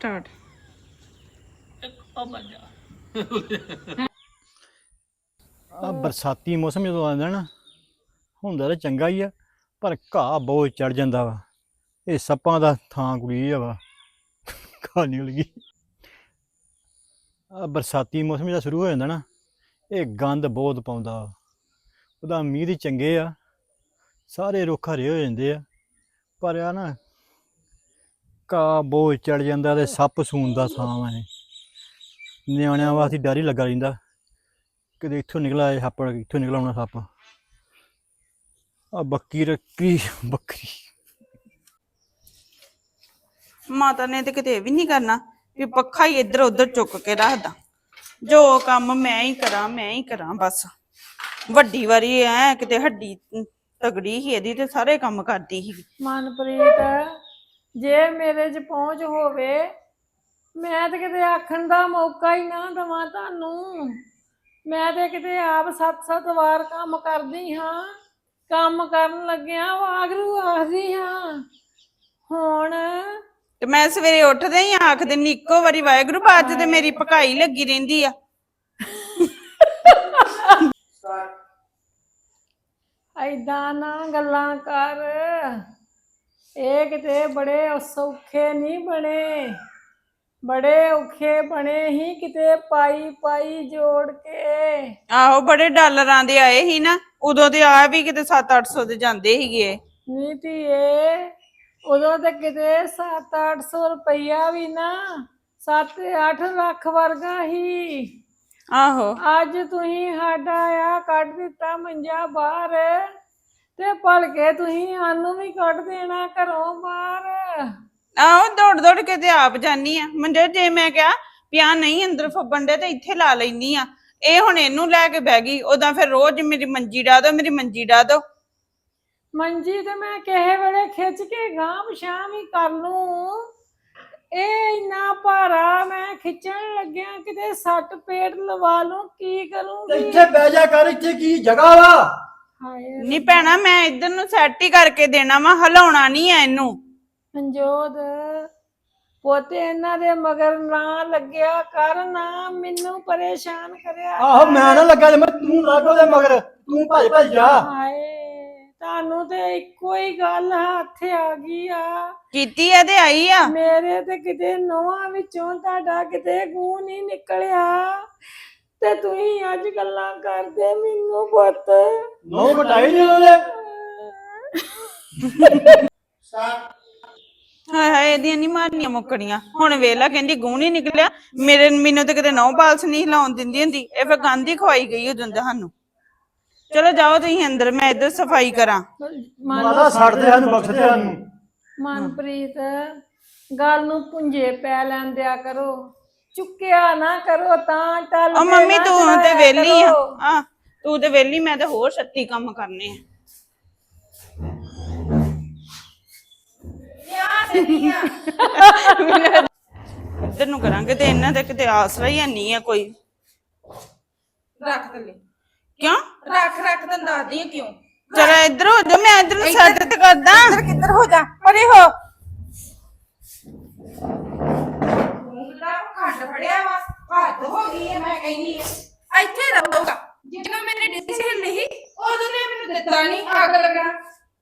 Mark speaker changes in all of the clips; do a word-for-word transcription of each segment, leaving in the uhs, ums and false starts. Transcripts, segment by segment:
Speaker 1: Start.
Speaker 2: ਆ ਬਰਸਾਤੀ ਮੌਸਮ ਜਦੋਂ ਆਉਂਦਾ ਨਾ ਹੁੰਦਾ ਤਾਂ ਚੰਗਾ ਹੀ ਆ, ਪਰ ਘਾਹ ਬਹੁਤ ਚੜ ਜਾਂਦਾ ਵਾ। ਇਹ ਸੱਪਾਂ ਦਾ ਥਾਂ ਕੁੜੀ ਆ ਵਾ, ਘਾਹ ਨਿਕਲ ਗਈ। ਆ ਬਰਸਾਤੀ ਮੌਸਮ ਜਿਹੜਾ ਸ਼ੁਰੂ ਹੋ ਜਾਂਦਾ ਨਾ, ਇਹ ਗੰਦ ਬਹੁਤ ਪਾਉਂਦਾ ਵਾ। ਉਹਦਾ ਮੀਂਹ ਦੀ ਚੰਗੇ ਆ, ਸਾਰੇ ਰੁੱਖ ਹਰੇ ਹੋ ਜਾਂਦੇ ਆ, ਪਰ ਆ ਨਾ ਘਾਹ ਬਹੁਤ ਚੜ ਜਾਂਦਾ ਤੇ ਸੱਪ ਸੂਣ ਦਾ ਥਾਂ ਵਾ। ਇਹ ਨਿਆਣਿਆਂ ਵਾਸਤੇ ਡਰ ਹੀ ਲੱਗਾ ਰਹਿੰਦਾ, ਕਿਤੇ ਇੱਥੋਂ ਨਿਕਲ ਆਏ ਸੱਪ, ਇੱਥੋਂ ਨਿਕਲ ਆਉਣਾ ਸੱਪ। ਆ ਬੱਕੀ ਰੱਖੀ ਬੱਕਰੀ।
Speaker 1: ਮਾਤਾ ਨੇ ਤੇ ਕਿਤੇ ਵੀ ਨਹੀਂ ਕਰਨਾ ਵੀ ਪੱਖਾ ਹੀ ਇੱਧਰ ਉੱਧਰ ਚੁੱਕ ਕੇ ਰੱਖਦਾ। ਜੋ ਕੰਮ ਮੈਂ ਹੀ ਕਰਾਂ ਮੈਂ ਹੀ ਕਰਾਂ ਬਸ। ਵੱਡੀ ਵਾਰੀ ਐ ਕਿਤੇ ਹੱਡੀ ਤਗੜੀ ਸੀ ਇਹਦੀ ਤੇ ਸਾਰੇ ਕੰਮ ਕਰਦੀ ਸੀ।
Speaker 3: ਮਨਪ੍ਰੀਤ, ਜੇ ਮੇਰੇ 'ਚ ਪਹੁੰਚ ਹੋਵੇ ਮੈਂ ਤੇ ਕਿਤੇ ਆਖਣ ਦਾ ਮੌਕਾ ਹੀ ਨਾ ਦੇਵਾਂ ਤੁਹਾਨੂੰ। ਮੈਂ ਤੇ ਕਿਤੇ ਆਪ ਸੱਤ ਸੱਤ ਵਾਰ ਕੰਮ ਕਰਦੀ ਹਾਂ, ਕੰਮ ਕਰਨ ਲੱਗਿਆ ਵਾਗਰੂ ਆਖਦੀ ਹਾਂ। ਹੁਣ
Speaker 1: ਤੇ ਮੈਂ ਸਵੇਰੇ ਉੱਠਦੇ ਹੀ ਆਖ ਦਿੰਦੀ ਇੱਕੋ ਵਾਰੀ ਵਾਹਿਗੁਰੂ, ਬਾਅਦ ਤੇ ਮੇਰੀ ਪਕਾਈ ਲੱਗੀ ਰਹਿੰਦੀ ਆ।
Speaker 3: ਏਦਾਂ ਨਾ ਗੱਲਾਂ ਕਰ, ਇਹ ਕਿਤੇ ਬੜੇ ਸੌਖੇ ਨਹੀਂ ਬਣੇ, ਬੜੇ ਔਖੇ ਬਣੇ ਹੀ ਕਿਤੇ ਪਾਈ ਪਾਈ ਜੋੜ ਕੇ।
Speaker 1: ਆਹੋ ਬੜੇ ਡਾਲਰਾਂ ਦੇ ਆਏ ਸੀ ਨਾ ਉਦੋਂ, ਤੇ ਆ ਵੀ ਕਿਤੇ ਸੱਤ ਅੱਠ ਸੌ ਦੇ ਜਾਂਦੇ ਸੀਗੇ।
Speaker 3: ਨੀ ਧੀਏ, ਉਦੋਂ ਤੇ ਕਿਤੇ ਸੱਤ ਅੱਠ ਸੌ ਰੁਪਈਆ ਵੀ ਨਾ ਸੱਤ ਅੱਠ ਲੱਖ ਵਰਗਾ ਹੀ।
Speaker 1: ਆਹੋ
Speaker 3: ਅੱਜ ਤੁਸੀਂ ਸਾਡਾ ਆ ਕੱਢ ਦਿੱਤਾ ਮੰਜਾ ਬਾਹਰ, ਤੇ ਭਲਕੇ ਤੁਸੀਂ ਸਾਨੂੰ ਵੀ ਕੱਢ ਦੇਣਾ ਘਰੋਂ ਬਾਹਰ।
Speaker 1: ਆਹੋ ਦੌੜ ਦੌੜ ਕੇ ਤੇ ਆਪ ਜਾਨੀ ਆ ਮੰਜੇ। ਜੇ ਮੈਂ ਕਿਹਾ ਪਿਆ ਨਹੀਂ ਅੰਦਰ ਫੱਬਣ ਦੇ ਤੇ ਇੱਥੇ ਲਾ ਲੈਨੀ ਆ, ਇਹ ਹੁਣ ਇਹਨੂੰ ਲੈ ਕੇ ਬਹਿ ਗਈ। ਉਦਾਂ ਫਿਰ ਰੋਜ਼ ਮੇਰੀ ਮੰਜੀ ਡਾ ਦੋ, ਮੇਰੀ ਮੰਜੀ ਡਾ ਦੋ।
Speaker 3: ਮੰਜੀ ਤੇ ਮੈਂ ਕਿਸੇ ਵੇਲੇ ਖਿੱਚ ਕੇ ਗਾਂਹ ਪਛਾਂ ਵੀ ਕਰ ਲੂੰ, ਇਹ ਇੰਨਾ ਭਾਰਾ ਮੈਂ ਖਿੱਚਣ ਲੱਗਿਆ ਕਿਤੇ ਸੱਟ ਪੇਟ ਲਵਾ ਲੂੰ, ਕੀ ਕਰੂੰਗੀ?
Speaker 2: ਇੱਥੇ ਬਹਿ ਜਾ ਕਰ, ਇੱਥੇ ਕੀ ਜਗ੍ਹਾ ਵਾ?
Speaker 3: ਹਾਏ
Speaker 1: ਨਹੀਂ ਭੈਣਾ, ਮੈਂ ਇੱਧਰ ਨੂੰ ਸੈੱਟ ਹੀ ਕਰਕੇ ਦੇਣਾ ਵਾ, ਹਿਲਾਉਣਾ ਨਹੀਂ ਐ ਇਹਨੂੰ।
Speaker 3: ਮਨਜੋਤ ਪੋਤੇ ਇਹਨਾਂ ਦੇ ਮਗਰ ਨਾ ਲੱਗਿਆ ਕਰ, ਨਾ ਮੈਨੂੰ ਪਰੇਸ਼ਾਨ ਕਰਿਆ।
Speaker 2: ਆਹੋ ਮੈਂ ਨਾ ਲੱਗਾ, ਮੈਂ ਤੂੰ ਲੱਗ ਉਹਦੇ ਮਗਰ, ਤੂੰ ਭੱਜ ਭੱਜ ਜਾ।
Speaker 3: ਹਾਏ ਤੁਹਾਨੂੰ ਤੇ ਇੱਕੋ ਹੀ ਗੱਲ ਹੱਥ ਆ ਗਈ ਆ।
Speaker 1: ਕੀਤੀ ਐ ਤੇ ਆਈ ਆ।
Speaker 3: ਮੇਰੇ ਤੇ ਕਿਤੇ ਨੋਹਾਂ ਵਿੱਚੋਂ ਤੁਹਾਡਾ ਕਿਤੇ ਗੂੰ ਨਹੀਂ ਨਿਕਲਿਆ, ਤੇ ਤੁਸੀਂ ਅੱਜ ਗੱਲਾਂ ਕਰਦੇ ਮੈਨੂੰ ਪੁੱਤ।
Speaker 2: ਨੋ ਘਟਾਈ ਨਹੀਂ ਉਹਦੇ।
Speaker 1: ਹਾਏ ਹਾਏ ਇਹਦੀਆਂ ਨਹੀਂ ਮਾਰਨੀਆਂ ਮੁੱਕਣੀਆਂ। ਹੁਣ ਵੇਲਾ ਕਹਿੰਦੀ ਗੂੰ ਨਹੀਂ ਨਿਕਲਿਆ, ਮੇਰੇ ਮੈਨੂੰ ਤੇ ਕਿਤੇ ਨੌ ਬਾਲਸ ਨਹੀਂ ਹਿਲਾਉਣ ਦਿੰਦੀ ਹੁੰਦੀ। ਇਹ ਫਿਰ ਗੰਦ ਹੀ ਖਵਾਈ ਗਈ ਉਦੋਂ ਦਾ ਸਾਨੂੰ। ਚਲੋ ਜਾਓ ਤੁਸੀਂ ਅੰਦਰ, ਮੈਂ ਇੱਧਰ ਸਫਾਈ ਕਰਾਂ।
Speaker 2: ਮਾਤਾ ਛੱਡਦੇ ਸਾਨੂੰ, ਬਖਸ਼ਦੇ ਸਾਨੂੰ।
Speaker 3: ਮਨਪ੍ਰੀਤ, ਗੱਲ ਨੂੰ ਪੁੰਜੇ ਪੈ ਲੈਣ ਦਿਆ ਕਰੋ, ਚੁੱਕਿਆ ਨਾ ਕਰੋ ਤਾਂ ਟੱਲ।
Speaker 1: ਉਹ ਮੰਮੀ ਤੂੰ ਤੇ ਵਿਹਲੀ ਆ, ਆ ਤੂੰ ਤੇ ਵਿਹਲੀ, ਮੈਂ ਤੇ ਹੋਰ ਛੱਤੀ ਕੰਮ ਕਰਨੇ ਆ। ਇੱਧਰ ਨੂੰ ਕਰਾਂਗੇ ਤੇ ਇਹਨਾਂ ਦੇ ਕਿਤੇ ਆਸਰਾ ਹੀ ਨਹੀਂ ਆ ਕੋਈ। ਰੱਖ ਥੱਲੇ ਕਿਉਂ? ਰੱਖ ਰੱਖ ਤਾਂ ਦੱਸਦੀ ਆ ਕਿਉਂ। ਚਲ ਇੱਧਰ ਹੋ ਜਾ, ਮੈਂ ਇੱਧਰ ਨੂੰ ਸੈੱਟ ਤੇ ਕਰਦਾ। ਇੱਧਰ ਕਿੱਧਰ ਹੋ ਜਾ, ਪਰੇ ਹੋ। ਖੰਡ ਫੜਿਆ ਵਾ, ਹੱਦ ਹੋ ਗਈ ਹੈ। ਮੈਂ ਕਹਿੰਦੀ ਆ ਇੱਥੇ ਰਹੂਗਾ, ਜਦੋਂ ਮੇਰੇ ਡਿਸਕ ਹਿੱਲੀ ਸੀ ਉਦੋਂ ਨੇ ਮੈਨੂੰ ਦਿੱਤਾ ਨਹੀਂ, ਅੱਗ ਲੱਗਣਾ।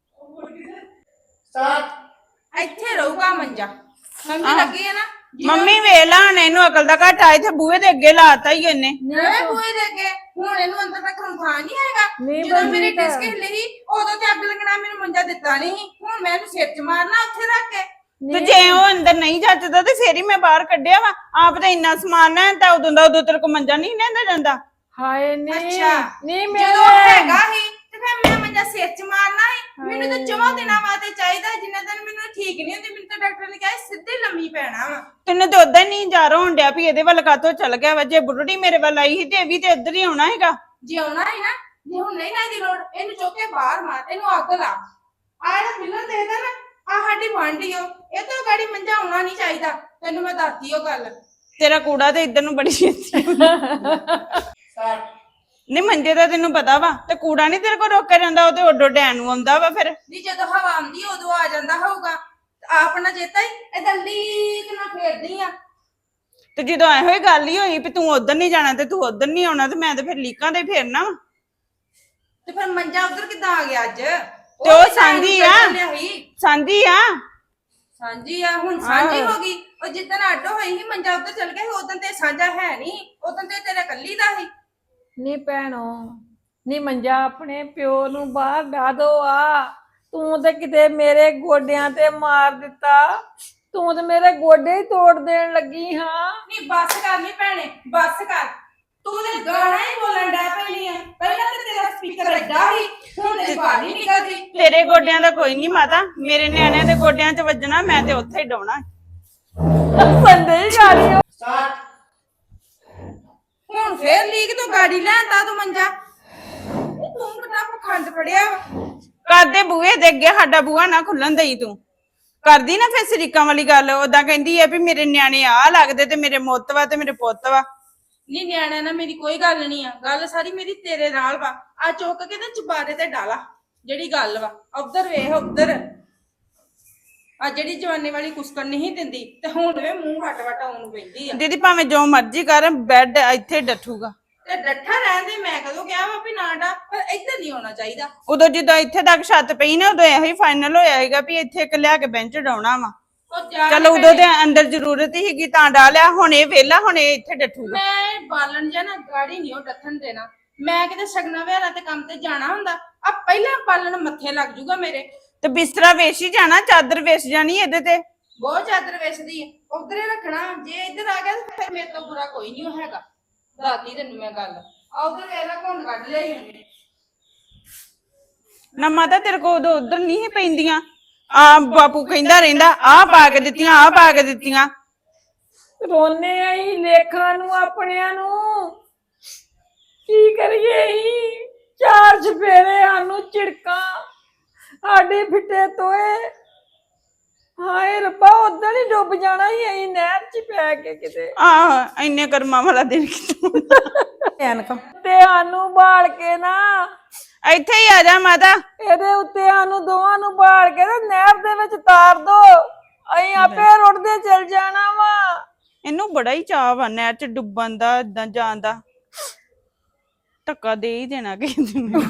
Speaker 1: ਇੱਥੇ ਰਹੂਗਾ ਮੰਜਾ। ਮੰਮੀ ਲੱਗੀ ਹੈ ਨਾ, ਮੰਮੀ ਵੇਲਾ ਹੁਣ ਇਹਨੂੰ ਅਕਲ ਦਾ ਘਾਟਾ। ਇੱਥੇ ਬੂਹੇ ਦੇ ਅੱਗੇ ਲਾਤਾ ਹੀ ਇਹਨੇ। ਨਹੀਂ ਬੂਹੇ ਦੇ ਅੱਗੇ, ਹੁਣ ਇਹਨੂੰ ਅੰਦਰ ਰੱਖਣ ਥਾਂ ਨਹੀਂ ਹੈਗਾ। ਜਦੋਂ ਮੇਰੇ ਡਿਸਕ ਹਿੱਲੀ ਸੀ ਉਦੋਂ ਤੇ ਅੱਗ ਲੱਗਣਾ, ਮੈਨੂੰ ਮੰਜਾ ਦਿੱਤਾ ਨਹੀਂ। ਹੁਣ ਮੈਂ ਇਹਨੂੰ ਸਿਰ 'ਚ ਮਾਰਨਾ ਉੱਥੇ ਰੱਖ ਕੇ। ਤੇ ਜੇ ਉਹ ਅੰਦਰ ਨਹੀਂ ਜੱਜਦਾ ਤੇ ਫੇਰ ਹੀ ਮੈਂ ਬਾਹਰ ਕੱਢਿਆ ਵਾ। ਆਪ ਤਾਂ ਇੰਨਾ ਸਮਾਨ ਹੈ ਤਾਂ ਉਦੋਂ ਦਾ ਉਦੋਂ ਤੇਰੇ ਕੋ ਮੰਜਾ ਨਹੀਂ ਲੈਂਦਾ ਜਾਂਦਾ।
Speaker 3: ਹਾਏ ਨਹੀਂ ਨਹੀਂ,
Speaker 1: ਜਦੋਂ ਹੈਗਾ ਹੀ ਤੇ ਫਿਰ ਮੈਂ ਮੰਜਾ ਸਿਰ 'ਚ ਮਾਰਨਾ ਸੀ। ਮੈਨੂੰ ਤਾਂ ਚੌਂ ਦਿਨਾਂ ਵਾਸਤੇ ਚਾਹੀਦਾ, ਜਿੰਨੇ ਦਿਨ ਮੈਨੂੰ ਠੀਕ ਨਹੀਂ ਹੁੰਦੀ। ਮੈਨੂੰ ਤਾਂ ਡਾਕਟਰ ਨੇ ਕਿਹਾ ਸਿੱਧੇ ਲੰਮੀ ਪੈਣਾ ਵਾ। ਤੈਨੂੰ ਤਾਂ ਉਦਾਂ ਹੀ ਨਹੀਂ ਜਾ ਹੋਣ ਡਿਆ ਵੀ ਇਹਦੇ ਵੱਲ ਕਾਤੋਂ ਚੱਲ ਗਿਆ ਵਾ। ਜੇ ਬੁੱਢੜੀ ਮੇਰੇ ਵੱਲ ਆਈ ਸੀ ਤੇ ਇਹ ਵੀ ਤੇ ਇੱਧਰ ਹੀ ਆਉਣਾ ਹੈਗਾ। ਜੇ ਆਉਣਾ ਹੈ ਨਾ, ਜੇ ਹੁਣ ਨਹੀਂ ਨਾ ਇਹਦੀ ਲੋੜ, ਇਹਨੂੰ ਚੁੱਕ ਕੇ ਬਾਹਰ ਮਾਰ, ਇਹਨੂੰ ਅੱਗ ਲਾ। ਆ ਜਿਹੜਾ ਮਿਲਣ ਦੇਦਾ ਨਾ, ਆ ਸਾਡੀ ਵਾਂਢੀ ਓ, ਇਹ ਤੋਂ ਗਾੜੀ ਮੰਜਾ ਆਉਣਾ ਨਹੀਂ ਚਾਹੀਦਾ। ਤੈਨੂੰ ਮੈਂ ਦੱਸਦੀ ਉਹ ਗੱਲ। ਤੇਰਾ ਕੂੜਾ ਤੇ ਇੱਧਰ ਨੂੰ ਬੜੀ ਛੇਤੀ ਨਹੀਂ ਮੰਜੇ ਦਾ ਤੈਨੂੰ ਪਤਾ ਵਾ, ਤੇ ਕੂੜਾ ਨਹੀਂ ਤੇਰੇ ਕੋਲ ਰੋਕਿਆ ਜਾਂਦਾ। ਉਹ ਤੇ ਓਡੋ ਡੈਨ ਨੂੰ ਆਉਂਦਾ ਵਾ। ਫਿਰ ਨਹੀਂ ਜਦੋਂ ਹਵਾ ਆਉਂਦੀ ਉਦੋਂ ਆ ਜਾਂਦਾ ਹੋਊਗਾ। ਆਪਣਾ ਚੇਤਾ ਹੀ ਏਦਾਂ ਲੀਕ ਨਾ ਫੇਰਦੀ ਆ ਤੇ ਜਦੋਂ ਇਹੋ ਹੀ ਗੱਲ ਹੀ ਹੋਈ ਵੀ ਤੂੰ ਉਧਰ ਨਹੀਂ ਜਾਣਾ ਤੇ ਤੂੰ ਉਧਰ ਨਹੀਂ ਆਉਣਾ ਤੇ ਮੈਂ ਤੇ ਫਿਰ ਲੀਕਾਂ ਤੇ ਫੇਰਨਾ ਵਾ।
Speaker 4: ਤੇ ਫਿਰ ਮੰਜਾ ਉਧਰ ਕਿੱਦਾਂ ਆ ਗਿਆ ਅੱਜ?
Speaker 1: ਤੇ ਉਹ ਸਾਂਝੀ ਆ ਸਾਂਝੀ ਆ
Speaker 4: ਸਾਂਝੀ ਆ ਹੁਣ ਸਾਂਝੀ ਹੋ ਗਈ। ਉਹ ਜਿੱਦਣ ਅੱਡ ਹੋਈ ਸੀ ਮੰਜਾ ਉਧਰ ਚਲ ਗਿਆ ਸੀ, ਉਦੋਂ ਤੇ ਸਾਂਝਾ ਹੈ ਨਹੀਂ, ਉਦੋਂ ਤੇ ਤੇਰੇ ਕੱਲੀ ਦਾ ਸੀ।
Speaker 3: ਨੀ ਭੈਣੋ ਨੀ ਮੰਜਾ ਆਪਣੇ ਪਿਓ ਨੂੰ ਬਾਹਰ ਡਾ ਦੋ ਆ। ਤੂੰ ਤੇ ਕਿਤੇ ਮੇਰੇ ਗੋਡਿਆਂ ਤੇ ਮਾਰ ਦਿੱਤਾ, ਤੂੰ ਤੇ ਮੇਰੇ ਗੋਡੇ ਹੀ ਤੋੜ ਦੇਣ ਲੱਗੀ ਹਾਂ।
Speaker 4: ਨਹੀਂ ਬੱਸ ਕਰ ਨੀ ਭੈਣੇ, ਬੱਸ ਕਰ। ਤੂੰ ਤੇ ਗਾਣਾ ਹੀ ਬੋਲਣ ਡੈ ਪੈਣੀ ਆ। ਪਹਿਲਾਂ ਤੇ ਤੇਰਾ ਸਪੀਕਰ ਐਡਾ ਸੀ, ਹੁਣ ਤੇ ਬਾਹਰ ਨਹੀਂ ਨਿਕਲਦੀ।
Speaker 1: ਤੇਰੇ ਗੋਡਿਆਂ ਦਾ ਕੋਈ ਨਹੀਂ ਮਾਤਾ, ਮੇਰੇ ਨਿਆਣਿਆਂ ਦੇ ਗੋਡਿਆਂ 'ਚ ਵੱਜਣਾ ਮੈਂ ਤੇ ਉੱਥੇ ਹੀ ਡਾਉਣਾ।
Speaker 3: ਸੰਦੇ ਹੀ ਗਾੜੀ
Speaker 4: ਹੁਣ ਫੇਰ ਲੀਕ ਤੋਂ ਗਾੜੀ ਲੈਂਦਾ ਤੂੰ ਮੰਜਾ। ਤੂੰ ਕਿੰਨਾ ਪਖੰਡ ਫੜਿਆ ਵਾ।
Speaker 1: ਕਰਦੇ ਬੂਹੇ ਦੇ ਅੱਗੇ ਸਾਡਾ ਬੂਹਾ ਨਾ ਖੁੱਲਣ ਦੇਈ ਤੂੰ। ਕਰਦੀ ਨਾ ਫਿਰ ਸਰੀਕਾਂ ਵਾਲੀ ਗੱਲ। ਉਦਾਂ ਕਹਿੰਦੀ ਆ ਵੀ ਮੇਰੇ ਨਿਆਣੇ ਆ ਲੱਗਦੇ ਤੇ ਮੇਰੇ ਮੁੱਤ ਵਾ ਤੇ ਮੇਰੇ ਪੁੱਤ ਵਾ।
Speaker 4: ਨਹੀਂ ਨਿਆਣਿਆਂ ਨਾਲ ਮੇਰੀ ਕੋਈ ਗੱਲ ਨਹੀਂ ਆ, ਗੱਲ ਸਾਰੀ ਮੇਰੀ ਤੇਰੇ ਨਾਲ ਵਾ। ਆ ਚੁੱਕ ਕੇ ਤੇ ਚੁਬਾਰੇ ਤੇ ਡਾਲਾ ਜਿਹੜੀ ਗੱਲ ਵਾ। ਉਧਰ ਵੇਖ ਉਧਰ ਆ ਜਿਹੜੀ ਜਵਾਨੀ ਵਾਲੀ ਕੁਸਕਣ ਨਹੀਂ ਦਿੰਦੀ ਤੇ ਹੁਣ ਵੇ ਮੂੰਹ ਵਟ ਵਟ ਆਉਣ ਨੂੰ ਪੈਂਦੀ ਆ।
Speaker 1: ਦੀਦੀ ਭਾਵੇਂ ਜੋ ਮਰਜ਼ੀ ਕਰ, ਬੈੱਡ ਇੱਥੇ ਡੱਠੂਗਾ।
Speaker 4: ਤੇ ਡੱਠਾ ਰਹਿੰਦੇ ਮੈਂ ਕਦੋਂ ਕਿਹਾ ਵਾ ਵੀ ਨਾ ਡਾ, ਪਰ ਇੱਧਰ ਨਹੀਂ ਆਉਣਾ ਚਾਹੀਦਾ।
Speaker 1: ਉਦੋਂ ਜਦੋਂ ਇੱਥੇ ਤੱਕ ਛੱਤ ਪਈ ਨਾ ਉਦੋਂ ਇਹੋ ਹੀ ਫਾਈਨਲ ਹੋਇਆ ਹੈਗਾ ਵੀ ਇੱਥੇ ਇੱਕ ਲਿਆ ਕੇ ਬੈਂਚ ਡਾਉਣਾ ਵਾ।
Speaker 4: ਉਹ ਜਾ
Speaker 1: ਚਲੋ ਉਦੋਂ ਤੇ ਅੰਦਰ ਜ਼ਰੂਰਤ ਹੀ ਹੈਗੀ ਤਾਂ ਡਾ ਲਿਆ, ਹੁਣ ਇਹ ਵਿਹਲਾ, ਹੁਣ ਇਹ ਇੱਥੇ ਡੱਠੂਗਾ।
Speaker 4: ਮੈਂ ਬਾਲਣ ਜਾਂ ਨਾ ਗਾੜੀ ਨਹੀਂ ਉਹ ਡੱਥਣ ਦੇਣਾ। ਮੈਂ ਕਿਤੇ ਸਗਨਾ ਵਿਹਾਰਾਂ ਤੇ ਕੰਮ ਤੇ ਜਾਣਾ ਹੁੰਦਾ, ਆ ਪਹਿਲਾਂ ਬਾਲਣ ਮੱਥੇ ਲੱਗ ਜੂਗਾ ਮੇਰੇ।
Speaker 1: ਤੇ ਬਿਸਤਰਾ ਵੇਚ ਹੀ ਜਾਣਾ, ਚਾਦਰ ਵੇਚ ਜਾਣੀ ਇਹਦੇ ਤੇ।
Speaker 4: ਬਹੁਤ ਚਾਦਰ ਵੇਚਦੀ ਹੈ, ਉਧਰੇ ਰੱਖਣਾ। ਜੇ ਇੱਧਰ ਆ ਗਿਆ ਤਾਂ ਫਿਰ ਮੇਰੇ ਤੋਂ ਬੁਰਾ ਕੋਈ ਨਹੀਂ ਹੈਗਾ। ਦਾਦੀ ਤੈਨੂੰ ਮੈਂ ਗੱਲ ਆ ਉਧਰ ਵੇਲਾ ਘੁੰਡ ਕੱਢ ਲਿਆ ਹੀ ਉਹਨੇ।
Speaker 1: ਨਾ ਮਾਤਾ ਤੇਰੇ ਕੋਲ ਉਦੋਂ ਉਧਰ ਨਹੀਂ ਸੀ ਪੈਂਦੀਆਂ। ਆ ਬਾਪੂ ਕਹਿੰਦਾ ਰਹਿੰਦਾ ਆਹ ਪਾ ਕੇ ਦਿੱਤੀਆਂ, ਆਹ ਪਾ ਕੇ ਦਿੱਤੀਆਂ।
Speaker 3: ਰੋਨੇ ਆਈ ਲੇਖਾਂ ਨੂੰ ਆਪਣਿਆਂ ਨੂੰ। ਕੀ ਕਰੀਏ ਹੀ ਚਾਰ ਚਫੇਰੇ ਸਾਨੂੰ ਝਿੜਕਾਂ, ਸਾਡੇ ਫਿੱਟੇ ਤੋਏ। ਹਾਏ ਰੱਬਾ ਉਦੋਂ ਹੀ ਡੁੱਬ ਜਾਣਾ ਹੀ ਅਸੀਂ ਨਹਿਰ 'ਚ ਪੈ ਕੇ ਕਿਤੇ।
Speaker 1: ਆਹ ਇੰਨੇ ਕਰਮਾਂ ਵਾਲਾ ਦਿਨ ਕਿਤੋਂ
Speaker 3: ਤੇ ਸਾਨੂੰ ਬਾਲ ਕੇ ਨਾ
Speaker 1: ਇੱਥੇ ਹੀ ਆ ਜਾ ਮਾਤਾ।
Speaker 3: ਇਹਦੇ ਉੱਤੇ ਸਾਨੂੰ ਦੋਵਾਂ ਨੂੰ ਬਾਲ ਕੇ ਤੇ ਨਹਿਰ ਦੇ ਵਿੱਚ ਤਾਰ ਦੋ, ਅਸੀਂ ਆਪੇ ਰੁੜਦੇ ਚਲ ਜਾਣਾ ਵਾ।
Speaker 1: ਇਹਨੂੰ ਬੜਾ ਹੀ ਚਾਅ ਵਾ ਨਹਿਰ 'ਚ ਡੁੱਬਣ ਦਾ, ਏਦਾਂ ਜਾਣ ਦਾ। ਧੱਕਾ ਦੇ ਹੀ ਦੇਣਾ ਕਿਸੇ ਨੂੰ।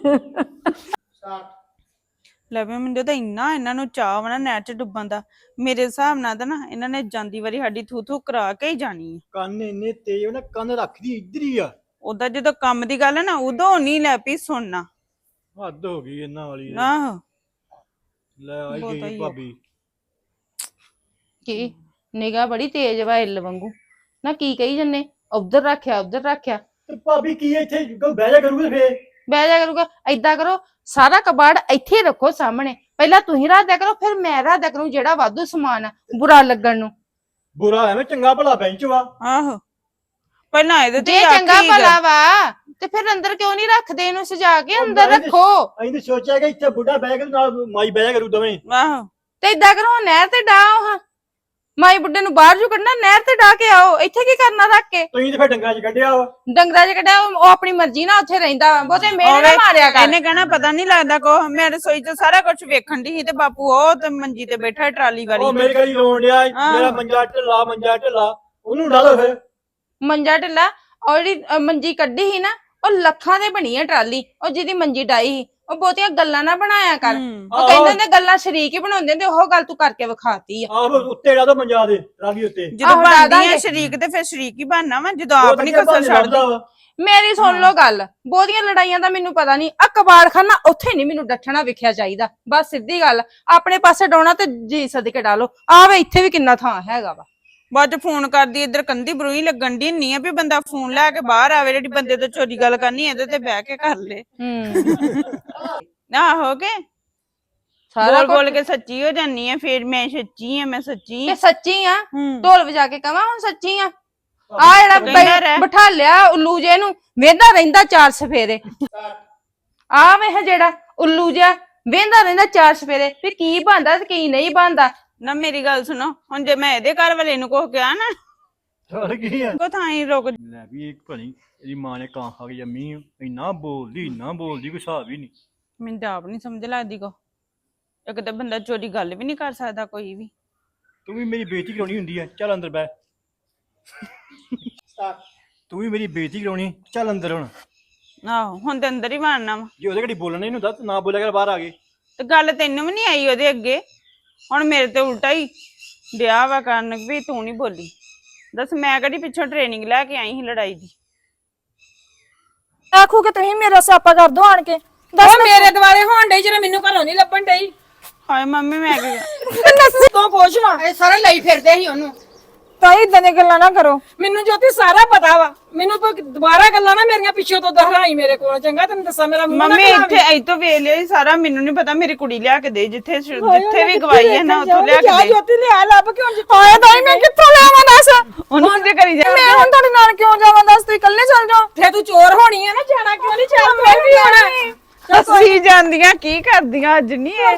Speaker 1: ਲੈ ਵੀ ਮੈਨੂੰ ਤਾਂ ਇੰਨਾ ਇਹਨਾਂ ਨੂੰ ਚਾਅ ਵਾ ਨਾ ਨਹਿਰ 'ਚ ਡੁੱਬਣ ਦਾ। ਮੇਰੇ ਹਿਸਾਬ ਨਾਲ ਤਾਂ ਨਾ ਇਹਨਾਂ ਨੇ ਜਾਂਦੀ ਵਾਰੀ ਸਾਡੀ ਥੂ ਥੂ ਕਰਾ ਕੇ ਹੀ ਜਾਣੀ ਆ।
Speaker 2: ਕੰਨ ਇੰਨੇ ਤੇਜ਼ ਨਾ, ਕੰਨ ਰੱਖਦੀ ਇੱਧਰ ਹੀ ਆ।
Speaker 1: ਉਦਾਂ ਜਦੋਂ ਕੰਮ ਦੀ ਗੱਲ ਹੈ ਨਾ ਉਦੋਂ ਨਹੀਂ ਲੈ ਪਈ ਸੁਣਨਾ।
Speaker 2: ਹੱਦ ਹੋ ਗਈ ਇਹਨਾਂ ਵਾਲੀ।
Speaker 1: ਆਹੋ
Speaker 2: ਲੈ ਆਈ ਗਈ ਭਾਬੀ।
Speaker 5: ਕੀ ਨਿਗਾਹ ਬੜੀ ਤੇਜ਼ ਵਾ ਇੱਲ ਵਾਂਗੂ। ਨਾ ਕੀ ਕਹੀ ਜੰਨੇ? ਉਧਰ ਰੱਖਿਆ ਉਧਰ ਰੱਖਿਆ।
Speaker 2: ਤੇ ਭਾਬੀ ਕੀ ਇੱਥੇ ਬਹਿ ਜਾ ਕਰੂਗੇ ਫੇਰ?
Speaker 5: ਬਹਿ ਜਾ ਕਰੂਗਾ। ਏਦਾਂ ਕਰੋ ਸਾਰਾ ਕਬਾੜ ਇੱਥੇ ਰੱਖੋ ਸਾਹਮਣੇ। ਪਹਿਲਾਂ ਤੁਸੀਂ ਰੱਖ ਦਿਆ ਕਰੋ, ਫਿਰ ਮੈਂ ਰੱਖ ਦਿਆ ਕਰੂੰ ਜਿਹੜਾ ਵਾਧੂ ਸਮਾਨ ਆ ਬੁਰਾ ਲੱਗਣ ਨੂੰ।
Speaker 2: ਬੁਰਾ ਐਵੇਂ ਚੰਗਾ ਭਲਾ ਬੈਂਚ ਵਾ।
Speaker 1: ਆਹੋ ਪਹਿਲਾਂ ਇਹਦੇ ਤੇ
Speaker 5: ਜੇ ਚੰਗਾ ਭਲਾ ਵਾ ਤੇ ਫਿਰ ਅੰਦਰ ਕਿਉਂ ਨਹੀਂ ਰੱਖਦੇ? ਇਹਨੂੰ ਸਜਾ ਕੇ ਅੰਦਰ ਰੱਖੋ।
Speaker 2: ਅਸੀਂ ਤੇ ਸੋਚਿਆ ਕਿ ਇੱਥੇ ਬੁੱਢਾ ਬਹਿ ਕੇ ਨਾਲ ਮਾਈ ਬਹਿ ਜਾ ਕਰੂ ਦੋਵੇਂ।
Speaker 1: ਆਹੋ
Speaker 5: ਤੇ ਏਦਾਂ ਕਰੋ ਨਹਿਰ ਤੇ ਡਾਓ। ਹਾਂ ਮਾਈ ਬੁੱਢੇ ਨੂੰ ਬਾਹਰ ਜੂ ਕੱਢਣਾ, ਨਹਿਰ ਤੇ ਡਾ ਕੇ ਆਓ। ਇੱਥੇ ਕੀ ਕਰਨਾ ਰੱਖ ਕੇ?
Speaker 2: ਤੁਸੀਂ ਤੇ ਫਿਰ ਡੰਗਰਾਂ 'ਚ ਕੱਢਿਆ ਵਾ।
Speaker 5: ਡੰਗਰਾਂ 'ਚ ਕੱਢਿਆ ਉਹ ਆਪਣੀ ਮਰਜ਼ੀ ਨਾਲ ਉੱਥੇ ਰਹਿੰਦਾ ਵਾ। ਬਹੁਤੇ ਮੇਰੇ ਨਾ ਮਾਰਿਆ ਕਰ।
Speaker 1: ਇਹਨੇ ਕਹਿਣਾ ਪਤਾ ਨਹੀਂ ਲੱਗਦਾ ਕੋ। ਮੈਂ ਰਸੋਈ 'ਚ ਸਾਰਾ ਕੁਝ ਵੇਖਣ ਦੀ ਸੀ ਤੇ ਬਾਪੂ ਉਹ ਤੇ ਮੰਜੀ ਤੇ ਬੈਠਾ ਟਰਾਲੀ ਵਾਲੀ।
Speaker 2: ਉਹ ਮੇਰੇ ਗਲੀ ਰੋਣ ਡਿਆ ਮੇਰਾ ਮੰਜਾ ਢਿੱਲਾ ਮੰਜਾ ਢਿੱਲਾ। ਉਹਨੂੰ ਡਾ ਲਓ ਫਿਰ।
Speaker 5: ਮੰਜਾ ਢਿੱਲਾ? ਉਹ ਜਿਹੜੀ ਮੰਜੀ ਕੱਢੀ ਸੀ ਨਾ ਉਹ ਲੱਖਾਂ ਦੇ ਬਣੀ ਆ ਟਰਾਲੀ। ਉਹ ਜਿਹਦੀ ਮੰਜੀ ਡਾਈ ਸੀ ਉਹ ਬਹੁਤੀਆਂ ਗੱਲਾਂ ਨਾ ਬਣਾਇਆ ਕਰ। ਉਹ ਕਹਿੰਦੇ ਨੇ ਗੱਲਾਂ ਸ਼ਰੀਕ ਹੀ ਬਣਾਉਂਦੇ ਨੇ। ਉਹ ਗੱਲ ਤੂੰ ਕਰਕੇ ਵਿਖਾਤੀ ਆ।
Speaker 2: ਆਹੋ ਉੱਤੇ ਡਾ ਦੋ ਮੰਜਾ ਦੇ ਟਰਾਲੀ ਉੱਤੇ।
Speaker 1: ਜਦੋਂ ਬਣਦੀ ਆ ਸ਼ਰੀਕ ਤੇ ਫਿਰ ਸ਼ਰੀਕ ਹੀ ਬਣਨਾ ਵਾ ਜਦੋਂ ਆਪ ਨਹੀਂ ਕਸਰ ਛੱਡਦਾ।
Speaker 5: ਮੇਰੀ ਸੁਣ ਲਓ ਗੱਲ। ਬਹੁਤੀਆਂ ਲੜਾਈਆਂ ਦਾ ਮੈਨੂੰ ਪਤਾ ਨਹੀਂ। ਆ ਕਬਾੜਖਾਨਾ ਉੱਥੇ ਨਹੀਂ ਮੈਨੂੰ ਡੱਠਣਾ ਵਿਖਿਆ ਚਾਹੀਦਾ। ਬਸ ਸਿੱਧੀ ਗੱਲ। ਆਪਣੇ ਪਾਸੇ ਡਾਉਣਾ ਤੇ ਜੀ ਸਦਕੇ ਡਾਲੋ। ਆਵੇ ਇੱਥੇ ਵੀ ਕਿੰਨਾ ਥਾਂ ਹੈਗਾ ਵਾ।
Speaker 1: ਬਾਅਦ ਫੋਨ ਕਰਦੀ ਇੱਧਰ ਕੰਦੀ ਬਰੂਈ ਲੱਗਣ ਦੀ ਨਹੀਂ ਆ ਵੀ ਬੰਦਾ ਫੋਨ ਲੈ ਕੇ ਬਾਹਰ ਆਵੇ। ਜਿਹੜੀ ਬੰਦੇ ਤੋਂ ਚੋਰੀ ਗੱਲ ਕਰਨੀ ਇਹਦੇ ਤੇ ਬਹਿ ਕੇ ਕਰ ਲੇ। ਆਹੋ ਕੇ ਸਾਰਾ ਬੋਲ ਕੇ ਸੱਚੀ ਹੋ ਜਾਨੀ ਆ। ਫਿਰ ਮੈਂ ਸੱਚੀ ਆ, ਮੈਂ ਸੱਚੀ
Speaker 5: ਤੇ ਸੱਚੀ ਆ। ਢੋਲ ਵਜਾ ਕੇ ਕਵਾਂ ਹੁਣ ਸੱਚੀ ਆ? ਆ ਜਿਹੜਾ ਬਿਠਾ ਲਿਆ ਉੱਲੂ ਜੇ ਨੂੰ ਵੇਂਦਾ ਰਹਿੰਦਾ ਚਾਰ ਸਫੇਰੇ। ਆ ਵੇਖ ਜਿਹੜਾ ਉੱਲੂ ਜਿਹਾ ਵੇਂਦਾ ਰਹਿੰਦਾ ਚਾਰ ਸਫੇਰੇ। ਫਿਰ ਕੀ ਬਣਦਾ ਤੇ ਕੀ ਨਹੀਂ ਬਣਦਾ।
Speaker 1: ਨਾ ਮੇਰੀ ਗੱਲ ਸੁਣੋ, ਹੁਣ ਜੇ ਮੈਂ ਇਹਦੇ ਘਰ ਵਾਲੇ ਨੂੰ ਕੁਝ ਕਿਹਾ ਨਾ
Speaker 2: ਚੱਲ ਕੀ ਆ
Speaker 1: ਕੋ ਥਾਂ ਹੀ ਰੁਕ।
Speaker 2: ਲੈ ਵੀ ਇੱਕ ਭਣੀ ਇਹਦੀ ਮਾਂ ਨੇ ਕਾਂ ਖਾ ਕੇ ਜੰਮੀ। ਇੰਨਾ ਬੋਲਦੀ ਇੰਨਾ ਬੋਲਦੀ ਕੋਈ ਹਿਸਾਬ ਹੀ ਨਹੀਂ।
Speaker 1: ਮੈਨੂੰ ਤਾਂ ਆਪ ਨਹੀਂ ਸਮਝ ਲੱਗਦੀ ਕੋ। ਇੱਕ ਤਾਂ ਬੰਦਾ ਚੋਰੀ ਗੱਲ ਵੀ ਨਹੀਂ ਕਰ ਸਕਦਾ ਕੋਈ ਵੀ।
Speaker 2: ਤੂੰ ਵੀ ਮੇਰੀ ਬੇਇੱਜ਼ਤੀ ਕਰਾਉਣੀ ਹੁੰਦੀ ਆ। ਚੱਲ ਅੰਦਰ ਬਹਿ। ਤੂੰ ਵੀ ਮੇਰੀ ਬੇਇੱਜ਼ਤੀ ਕਰਾਉਣੀ, ਚੱਲ ਅੰਦਰ ਹੁਣ।
Speaker 1: ਆਹੋ ਹੁਣ ਤੇ ਅੰਦਰ ਹੀ ਵੜਨਾ ਵਾ।
Speaker 2: ਜੇ ਉਹਦੇ ਘੜੀ ਬੋਲਣਾ ਨਹੀਂ ਹੁੰਦਾ ਤਾਂ ਨਾ ਬੋਲਿਆ ਕਰ, ਬਾਹਰ ਆ ਗਏ।
Speaker 1: ਤੇ ਗੱਲ ਤੈਨੂੰ ਵੀ ਨਹੀਂ ਆਈ ਉਹਦੇ ਅੱਗੇ, ਹੁਣ ਮੇਰੇ ਤੇ ਉਲਟਾ ਹੀ ਡਿਆ ਵਾ ਕਰਨ ਵੀ ਤੂੰ ਨਹੀਂ ਬੋਲੀ। ਦੱਸ ਮੈਂ ਕਿਹੜੀ ਪਿੱਛੋਂ ਟ੍ਰੇਨਿੰਗ ਲੈ ਕੇ ਆਈ ਸੀ ਲੜਾਈ ਦੀ।
Speaker 6: ਆਖੂ ਕਿ ਤੁਸੀਂ ਮੇਰਾ ਸਿਆਪਾ ਕਰ ਦੋ ਆਣ ਕੇ।
Speaker 3: ਦੱਸ ਮੇਰੇ ਦੁਆਲੇ ਹੋਣ ਡਈ ਜਿਹੜਾ ਮੈਨੂੰ ਘਰੋਂ ਨਹੀਂ ਲੱਭਣ ਡਈ।
Speaker 1: ਹਾਏ ਮੰਮੀ ਮੈਂ ਕੀ
Speaker 3: ਤੂੰ ਪੁੱਛ ਵਾ
Speaker 4: ਇਹ ਸਾਰੇ ਲਈ ਫਿਰਦੇ ਸੀ ਉਹਨੂੰ।
Speaker 6: ਤਾਈ ਇਦਾਂ ਦੀਆਂ ਗੱਲਾਂ ਨਾ ਕਰੋ।
Speaker 3: ਮੈਨੂੰ ਜੋਤੀ ਸਾਰਾ ਪਤਾ ਵਾ, ਮੈਨੂੰ ਤੂੰ ਦੁਬਾਰਾ ਗੱਲਾਂ ਨਾ ਮੇਰੀਆਂ ਪਿੱਛੋਂ ਤੋਂ ਦੁਹਰਾਈ ਮੇਰੇ ਕੋਲ, ਚੰਗਾ ਤੈਨੂੰ ਦੱਸਾਂ ਮੇਰਾ ਮੂੰਹ ਨਾ
Speaker 1: ਮੰਮੀ
Speaker 3: ਖਰਾਬ
Speaker 1: ਇੱਥੇ ਐ ਤੋਂ ਵੇਖ ਲਿਆ ਸੀ ਸਾਰਾ, ਮੈਨੂੰ ਨਹੀਂ ਪਤਾ ਮੇਰੀ ਕੁੜੀ ਲਿਆ ਕੇ ਦੇ, ਜਿੱਥੇ ਜਿੱਥੇ ਵੀ ਗਵਾਈ ਹੈ ਨਾ ਉੱਥੋਂ ਲਿਆ ਕੇ ਦੇ।
Speaker 3: ਜੋਤੀ ਲਿਆ ਲੱਭ ਕੇ ਹੁਣ
Speaker 6: ਹਾਏ ਤਾਈ ਮੈਂ ਕਿੱਥੋਂ ਲਿਆਵਾਂ ਦੱਸ?
Speaker 1: ਉਹਨੂੰ ਤੇ ਕਰੀ ਜਾ।
Speaker 6: ਮੈਂ ਹੁਣ ਤੁਹਾਡੇ ਨਾਲ ਕਿਉਂ ਜਾਵਾਂ ਦੱਸ? ਤੁਸੀਂ ਇਕੱਲੇ ਚੱਲ ਜਾਓ।
Speaker 3: ਫੇਰ ਤੂੰ ਚੋਰ ਹੋਣੀ ਹੈ ਨਾ, ਜਾਣਾ ਕਿਉਂ ਨਹੀਂ? ਚੱਲ ਮੈਂ ਵੀ ਆਉਣਾ।
Speaker 1: ਅਸੀਂ ਜਾਂਦੀਆਂ ਕੀ ਕਰਦੀਆਂ ਅੱਜ ਨਹੀਂ ਇਹ।